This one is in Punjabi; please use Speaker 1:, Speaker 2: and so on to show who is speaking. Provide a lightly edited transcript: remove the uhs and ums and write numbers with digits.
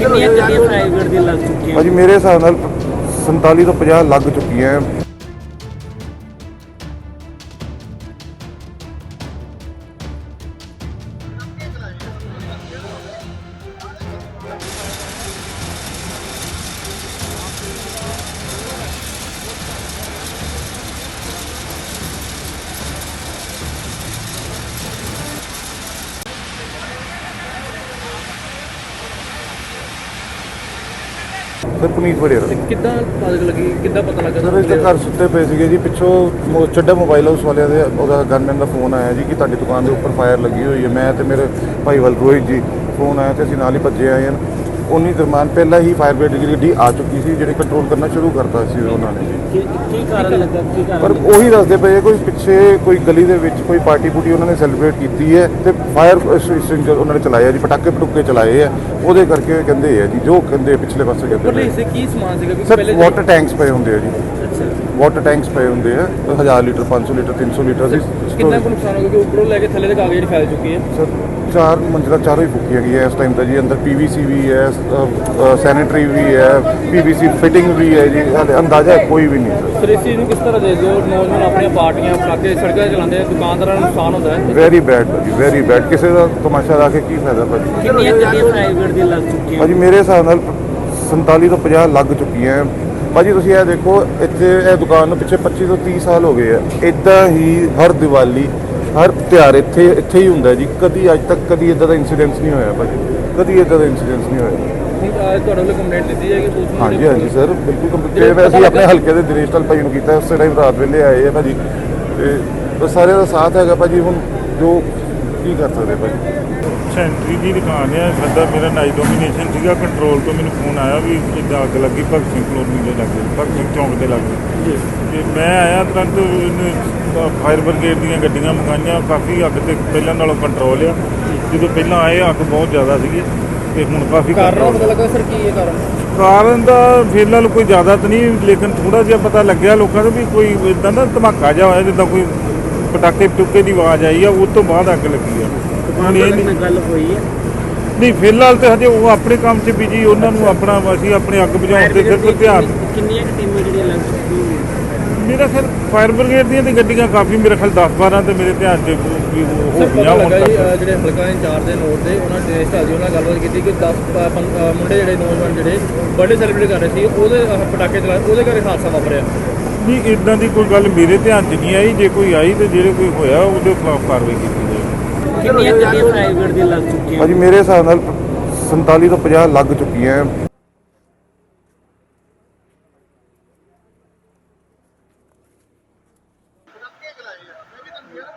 Speaker 1: ਕਿੰਨੀਆਂ ਗੱਡੀਆਂ ਪ੍ਰਾਈਵੇਟ ਦੀਆਂ ਲੱਗ ਚੁੱਕੀਆਂ?
Speaker 2: ਭਾਜੀ ਮੇਰੇ ਹਿਸਾਬ ਨਾਲ 47 ਤੋਂ 50 ਲੱਗ ਚੁੱਕੀਆਂ। ਸਰ ਪੁਨੀਤ ਵੜੇਰਾ
Speaker 1: ਕਿੱਦਾਂ ਪਤਾ ਲੱਗਾ
Speaker 2: ਸਰ ਇੱਥੇ ਘਰ ਸੁੱਤੇ ਪਏ ਸੀਗੇ ਜੀ, ਪਿੱਛੋਂ ਚੱਡਾ ਮੋਬਾਈਲ ਹਾਊਸ ਵਾਲਿਆਂ ਦੇ ਉਹਦਾ ਗਨਮੈਨ ਦਾ ਫੋਨ ਆਇਆ ਜੀ ਕਿ ਤੁਹਾਡੀ ਦੁਕਾਨ ਦੇ ਉੱਪਰ ਫਾਇਰ ਲੱਗੀ ਹੋਈ ਹੈ। ਮੈਂ ਤੇ ਮੇਰੇ ਭਾਈ ਰੋਹਿਤ ਜੀ ਫੋਨ ਆਇਆ ਤੇ ਅਸੀਂ ਨਾਲ ਹੀ ਭੱਜੇ ਆਏ ਹਾਂ। ਉਨੀ ਦਰਮਿਆਨ ਪਹਿਲਾਂ ਹੀ ਫਾਇਰ ਬ੍ਰਿਗੇਡ ਦੀ ਗੱਡੀ ਆ ਚੁੱਕੀ ਸੀ ਜਿਹੜੀ ਕੰਟਰੋਲ ਕਰਨਾ ਸ਼ੁਰੂ ਕਰਤਾ ਸੀ ਉਹਨਾਂ ਨੇ ਜੀ।
Speaker 1: ਕੀ ਕਾਰਨ ਲੱਗਾ?
Speaker 2: ਪਰ ਉਹੀ ਦੱਸਦੇ ਪਏ ਕੋਈ ਪਿੱਛੇ ਕੋਈ ਗਲੀ ਦੇ ਵਿੱਚ ਕੋਈ ਪਾਰਟੀ ਪੂਟੀ ਉਹਨਾਂ ਨੇ ਸੈਲੀਬ੍ਰੇਟ ਕੀਤੀ ਹੈ ਤੇ ਫਾਇਰ ਐਕਸਟਿੰਗੁਇਸ਼ਰ ਉਹਨਾਂ ਨੇ ਚਲਾਇਆ ਜੀ, ਪਟਾਕੇ ਚਲਾਏ ਆ, ਉਹਦੇ ਕਰਕੇ ਕਹਿੰਦੇ ਆ ਜੀ, ਜੋ ਕਹਿੰਦੇ ਪਿਛਲੇ ਪਾਸੇ ਕਹਿੰਦੇ
Speaker 1: ਇਸੇ ਕੀ ਸਮਾਨ ਸੀਗਾ?
Speaker 2: ਸਰ ਵਾਟਰ ਟੈਂਕਸ ਪਏ ਹੁੰਦੇ ਆ ਜੀ, ਵਾਟਰ ਟੈਂਕਸ ਪਏ ਹੁੰਦੇ ਆ 1000 ਲੀਟਰ 500 ਲੀਟਰ 300 ਲੀਟਰ ਦੀ।
Speaker 1: ਕਿੰਨਾ ਕੁ ਨੁਕਸਾਨ ਹੋ ਗਿਆ ਕਿ ਉੱਪਰੋਂ ਲੈ ਕੇ ਥੱਲੇ ਤੱਕ ਕਾਗਜ਼ ਫੈਲ ਚੁੱਕੀ ਹੈ?
Speaker 2: ਸਰ 4 ਮੰਜ਼ਿਲਾਂ ਚਾਰੋਂ ਹੀ ਫੁੱਕੀਆਂ ਗਈਆਂ ਇਸ ਟਾਈਮ ਤਾਂ ਜੀ। ਅੰਦਰ ਪੀਵੀਸੀ ਵੀ ਹੈ, ਸੈਨੀਟਰੀ ਵੀ ਹੈ, ਪੀਵੀਸੀ ਫਿਟਿੰਗ ਵੀ ਹੈ ਜੀ, ਹਾਲੇ ਅੰਦਾਜ਼ਾ ਕੋਈ ਵੀ ਨਹੀਂ ਸਰ।
Speaker 1: ਸਰ ਇਸ ਚੀਜ਼ ਨੂੰ ਕਿਸ ਤਰ੍ਹਾਂ ਦੇਖਦੇ ਹੋ? ਨੌਜਵਾਨ ਆਪਣੀਆਂ ਪਾਰਟੀਆਂ ਪਟਾਕੇ ਸੜਕਾਂ 'ਤੇ ਚਲਾਉਂਦੇ ਆ, ਦੁਕਾਨਦਾਰਾਂ ਨੂੰ ਨੁਕਸਾਨ ਹੁੰਦਾ ਹੈ।
Speaker 2: ਵੈਰੀ ਬੈਡ ਭਾਜੀ, ਵੈਰੀ ਬੈਡ। ਕਿਸੇ ਦਾ ਤਮਾਸ਼ਾ ਲਾ ਕੇ ਕੀ ਫਾਇਦਾ ਭਾਜੀ?
Speaker 1: ਕਿੰਨੀਆਂ ਗੱਡੀਆਂ ਪ੍ਰਾਈਵੇਟ ਦੀਆਂ ਲੱਗ ਚੁੱਕੀਆਂ?
Speaker 2: ਭਾਜੀ ਮੇਰੇ ਹਿਸਾਬ ਨਾਲ 47 ਤੋਂ 50 ਲੱਗ ਚੁੱਕੀਆਂ। ਭਾਜੀ ਤੁਸੀਂ ਇਹ ਦੇਖੋ, ਇੱਥੇ ਇਹ ਦੁਕਾਨ ਨੂੰ ਪਿੱਛੇ 25 ਤੋਂ 30 ਸਾਲ ਹੋ ਗਏ ਆ। ਇੱਦਾਂ ਹੀ ਹਰ ਦੀਵਾਲੀ ਹਰ ਤਿਉਹਾਰ ਇੱਥੇ ਹੀ ਹੁੰਦਾ ਜੀ। ਕਦੀ ਅੱਜ ਤੱਕ ਕਦੀ ਇੱਦਾਂ ਦਾ ਇੰਸੀਡੈਂਸ ਨਹੀਂ ਹੋਇਆ ਭਾਜੀ, ਕਦੀ ਇੱਦਾਂ ਦਾ ਇੰਸੀਡੈਂਸ ਨਹੀਂ ਹੋਇਆ।
Speaker 1: ਤੁਹਾਡੇ ਵੱਲੋਂ ਕੰਪਲੇਂਟ ਦਿੱਤੀ ਜਾਏਗੀ?
Speaker 2: ਹਾਂਜੀ ਸਰ ਬਿਲਕੁਲ ਕੰਪਲੇਂਟ ਅਸੀਂ ਆਪਣੇ ਹਲਕੇ ਦੇ ਦਿਨੇਸ਼ ਲਾਲ ਭਾਈ ਨੂੰ ਕੀਤਾ, ਉਸੇ ਟਾਈਮ ਰਾਤ ਵੇਲੇ ਆਏ ਆ ਭਾਜੀ ਤੇ ਸਾਰਿਆਂ ਦਾ ਸਾਥ ਹੈਗਾ ਭਾਜੀ। ਹੁਣ ਜੋ ਕੀ ਕਰ ਸਕਦੇ ਭਾਜੀ।
Speaker 3: ਸੈਂਟਰੀ ਦੀ ਦੁਕਾਨ ਹੈ ਸਾਡਾ, ਮੇਰਾ ਨਾਈਟ ਡੋਮੀਨੇਸ਼ਨ ਸੀਗਾ। ਕੰਟਰੋਲ ਤੋਂ ਮੈਨੂੰ ਫੋਨ ਆਇਆ ਵੀ ਇੱਦਾਂ ਅੱਗ ਲੱਗੀ ਭਗਤ ਸਿੰਘ ਕਲੋਨੀ ਦੇ ਲਾਗੇ, ਭਗਤ ਸਿੰਘ ਚੌਂਕ ਦੇ ਲਾਗੇ। ਤੇ ਮੈਂ ਆਇਆ ਤੁਰੰਤ, ਇਹਨੂੰ ਫਾਇਰ ਬ੍ਰਿਗੇਡ ਦੀਆਂ ਗੱਡੀਆਂ ਮੰਗਾਈਆਂ। ਕਾਫੀ ਅੱਗ ਤੇ ਪਹਿਲਾਂ ਨਾਲੋਂ ਕੰਟਰੋਲ ਆ। ਜਦੋਂ ਪਹਿਲਾਂ ਆਏ ਅੱਗ ਬਹੁਤ ਜ਼ਿਆਦਾ ਸੀਗੀ ਤੇ ਹੁਣ ਕਾਫੀ
Speaker 1: ਕਾਰਨ ਪਤਾ ਲੱਗਾ ਸਰ ਕੀ ਹੈ
Speaker 3: ਕਾਰਨ ਦਾ ਫਿਲਹਾਲ ਕੋਈ ਜ਼ਿਆਦਾ ਤਾਂ ਨਹੀਂ, ਲੇਕਿਨ ਥੋੜਾ ਜਿਹਾ ਪਤਾ ਲੱਗਿਆ ਲੋਕਾਂ ਨੂੰ ਵੀ ਕੋਈ ਇੱਦਾਂ ਦਾ ਧਮਾਕਾ ਜਿਹਾ ਹੋਇਆ ਜਿੱਦਾਂ ਕੋਈ ਪਟਾਕੇ ਪਟੂਕੇ ਦੀ ਆਵਾਜ਼ ਆਈ ਆ, ਉਸ ਤੋਂ ਬਾਅਦ ਅੱਗ ਲੱਗੀ ਆ।
Speaker 1: ਗੱਲ ਹੋਈ ਹੈ?
Speaker 3: ਨਹੀਂ ਫਿਲਹਾਲ ਤੇ ਹਜੇ ਉਹ ਆਪਣੇ ਕੰਮ 'ਚ ਬਿਜੀ, ਉਹਨਾਂ ਨੂੰ ਆਪਣਾ ਅਸੀਂ ਆਪਣੇ ਅੱਗ ਬੁਝਾਉਣ ਤੇ ਸਿਰਫ ਧਿਆਨ।
Speaker 1: ਕਿੰਨੀਆਂ ਟੀਮਾਂ ਜਿਹੜੀਆਂ ਲੱਗ ਚੁੱਕੀਆਂ?
Speaker 3: ਮੇਰਾ ਖਿਆਲ ਫਾਇਰ ਬ੍ਰਿਗੇਡ ਦੀਆਂ ਤੇ ਗੱਡੀਆਂ ਕਾਫੀ, ਮੇਰੇ ਖਿਆਲ 10-12 ਤੇ ਮੇਰੇ ਧਿਆਨ 'ਚ ਹੋ ਗਈਆਂ ਹੁਣ ਤੱਕ।
Speaker 1: ਜਿਹੜੇ ਹਲਕਾ ਇੰਚਾਰਜ ਦੇ ਨੋਟ ਦੇ ਉਹਨਾਂ ਨੇ ਢਾਲੀ ਉਹਨਾਂ ਗੱਲਬਾਤ ਕੀਤੀ ਕਿ 10 ਮੁੰਡੇ ਜਿਹੜੇ ਨੌਜਵਾਨ ਜਿਹੜੇ ਬਰਥਡੇ ਸੈਲੀਬ੍ਰੇਟ ਕਰ ਰਹੇ ਸੀ, ਉਹਦੇ ਪਟਾਕੇ ਚਲਾਏ, ਉਹਦੇ ਕਰਕੇ ਹਾਦਸਾ ਵਾਪਰਿਆ।
Speaker 3: ਨਹੀਂ ਇੱਦਾਂ ਦੀ ਕੋਈ ਗੱਲ ਮੇਰੇ ਧਿਆਨ 'ਚ ਨਹੀਂ ਆਈ। ਜੇ ਕੋਈ ਆਈ ਤੇ ਜਿਹੜੇ ਕੋਈ ਹੋਇਆ ਉਹਦੇ ਖਿਲਾਫ ਕਾਰਵਾਈ ਕੀਤੀ ਜਾਏ।
Speaker 1: ਕਿੰਨੀਆਂ ਗੱਡੀਆਂ ਪ੍ਰਾਈਵੇਟ ਦੀਆਂ ਲੱਗ ਚੁੱਕੀਆਂ?
Speaker 2: ਭਾਜੀ ਮੇਰੇ ਹਿਸਾਬ ਨਾਲ 47 ਤੋਂ 50 ਲੱਗ ਚੁੱਕੀਆਂ।